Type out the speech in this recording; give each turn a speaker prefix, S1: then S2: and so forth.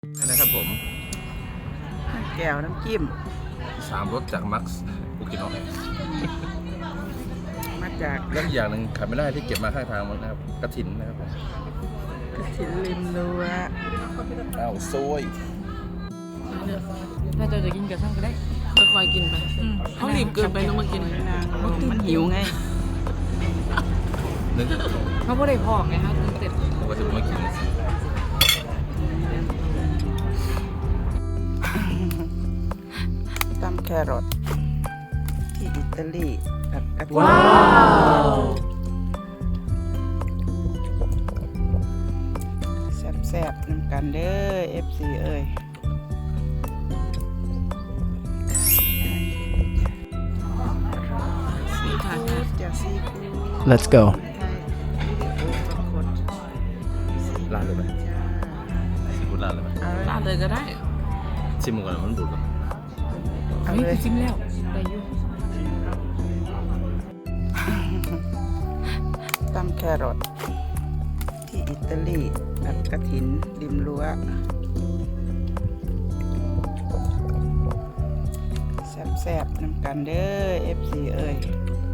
S1: นะครับผม
S2: แก้วน้ำจิ้ม
S1: 3 รสจากมักซ์กูกินออก
S2: มาจาก
S1: แล้วอย่างหนึ่งขาดไม่ได้ที่เก็บมาข้างทางมันนะครับกระถินนะครับผม
S2: กระถิ่นริมรั้ว
S1: อ้าวโซย
S3: ถ้าจะกินกับช่างก็ได้ค่อยๆกินไปเขารีบเกินไปต้องมากิน
S2: นางลมมันหิวไง
S1: นึก
S3: เขาไม่ได้พอกไงฮะตื่นเต้น
S1: ผมก็จะมากิน
S2: ตำแครอทที่อิตาลีกับกระถิ่นแซ่บๆน้ำกันเด้อ FC เอ้ยจะซีฟู้ด
S4: Let's go
S1: ลาดเลยไหมซีฟู้ดลาดเลยไหม
S3: ร้านเลยก็ได้
S1: ชิมก่อนมันบูดก่อน
S2: เอาเลย
S3: ชิมแล้วได้อยู่
S2: ตำแครอทที่อิตาลีกับกระถินริมรั้วแซ่บๆน้ำกันเด้อ FC เอ้ย